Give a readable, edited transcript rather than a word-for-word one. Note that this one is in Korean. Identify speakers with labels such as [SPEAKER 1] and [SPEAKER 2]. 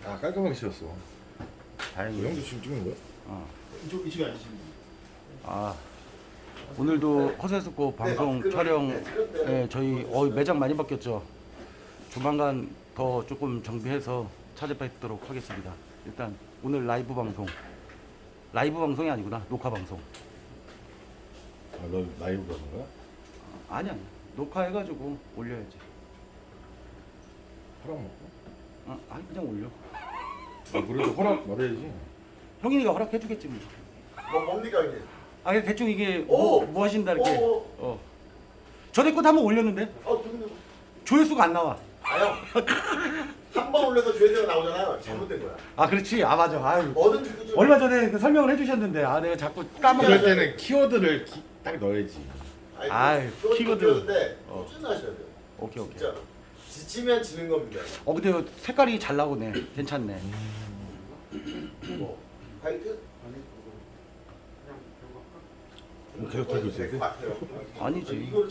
[SPEAKER 1] 아 깔끔하게 씌웠어. 이
[SPEAKER 2] 다행이에요.
[SPEAKER 1] 형도 지금 찍는 거야?
[SPEAKER 3] 이쪽에 앉으시면 돼요.
[SPEAKER 2] 아 오늘도 허세스코 방송
[SPEAKER 3] 네,
[SPEAKER 2] 촬영에 저희 매장 많이 바뀌었죠. 조만간 더 조금 정비해서 찾아뵙도록 하겠습니다. 일단 오늘 라이브 방송이 아니구나, 녹화 방송.
[SPEAKER 1] 아너 라이브 가는 거야?
[SPEAKER 2] 아니야, 녹화해가지고 올려야지.
[SPEAKER 1] 허락 먹고?
[SPEAKER 2] 아니 그냥 올려.
[SPEAKER 1] 아 그래도 허락 말해야지.
[SPEAKER 2] 형이니까 허락해주겠지 뭐.
[SPEAKER 3] 뭐 뭡니까 이게?
[SPEAKER 2] 아 그냥 대충 이게
[SPEAKER 3] 오!
[SPEAKER 2] 뭐 하신다 이렇게.
[SPEAKER 3] 오!
[SPEAKER 2] 전에 것도 한번 올렸는데
[SPEAKER 3] 근데
[SPEAKER 2] 조회수가 안 나와.
[SPEAKER 3] 아형 한 번 올려서 조회수가 나오잖아요. 잘못된 거야.
[SPEAKER 2] 아 그렇지, 아 맞아. 아유.
[SPEAKER 3] 뭐든지 꾸준히.
[SPEAKER 2] 얼마 전에 그 설명을 해주셨는데 내가 자꾸 까먹어.
[SPEAKER 1] 그럴 때는 키워드를 딱 넣어야지.
[SPEAKER 3] 아이,
[SPEAKER 2] 키워드.
[SPEAKER 3] 키워드인데
[SPEAKER 2] 어.
[SPEAKER 3] 꾸준하셔야 돼요.
[SPEAKER 2] 오케이.
[SPEAKER 3] 진짜 지치면 지는 겁니다.
[SPEAKER 2] 근데 색깔이 잘 나오네. 괜찮네.
[SPEAKER 3] 뭐 화이트?
[SPEAKER 1] 계속 들고 있어야 돼?
[SPEAKER 3] 될것 같아요.
[SPEAKER 2] 아니지.
[SPEAKER 3] 이거를